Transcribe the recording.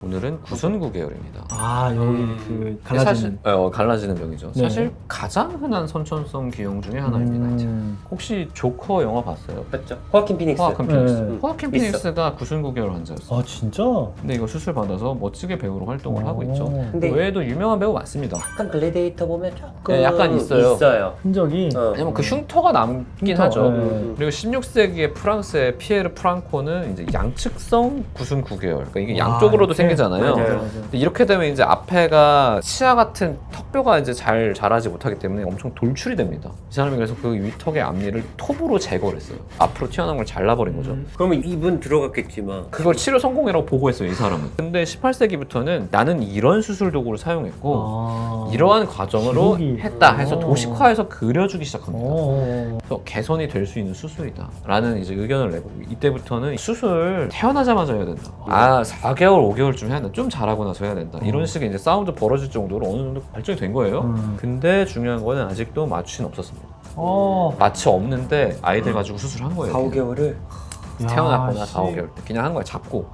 오늘은 구순구 계열입니다. 아 여기 그 갈라지는. 사실, 갈라지는 병이죠. 네. 사실 가장 흔한 선천성 기형 중에 하나입니다. 혹시 조커 영화 봤어요? 맞죠? 호아킨 피닉스. 호아킨 피닉스. 네. 호아킨 있어. 피닉스가 구순구 계열 환자였어요. 아 진짜? 근데 이거 수술 받아서 멋지게 배우로 활동을 하고 있죠. 근데 그 외에도 유명한 배우 많습니다. 약간 글래디에이터 보면 조금 네, 약간 있어요. 흔적이. 왜냐면 그 흉터가 남긴 흉터, 하죠. 네. 그리고 16세기에 프랑스의 피에르 프랑코는 이제 양측성 구순구 계열. 그러니까 이게 양쪽으로도 이렇게? 생기잖아요. 맞아요. 근데 이렇게 되면 이제 앞에가 치아 같은 턱뼈가 이제 잘 자라지 못하기 때문에 엄청 돌출이 됩니다. 이 사람이 그래서 그 위턱의 앞니를 톱으로 제거를 했어요. 앞으로 튀어나온 걸 잘라버린 거죠. 그러면 입은 들어갔겠지만 그걸 치료 성공이라고 보고했어요, 이 사람은. 근데 18세기부터는 나는 이런 수술 도구를 사용했고 아. 이러한 과정으로 기록이. 했다 해서 오. 도식화해서 그려주기 시작합니다. 오. 그래서 개선이 될 수 있는 수술이다 라는 이제 의견을 내고 이때부터는 수술 태어나자마자 해야 된다. 4개월, 5개월쯤 해야 된다. 좀 자라고 나서 해야 된다. 이런 식의 이제 싸움도 벌어질 정도로 어느 정도 발전이 된 거예요. 근데 중요한 거는 아직도 마취는 없었습니다. 마취 없는데 아이들 가지고 수술한 거예요. 4, 5개월을 태어났거나 야, 4, 5개월 때 그냥 한 거야, 잡고.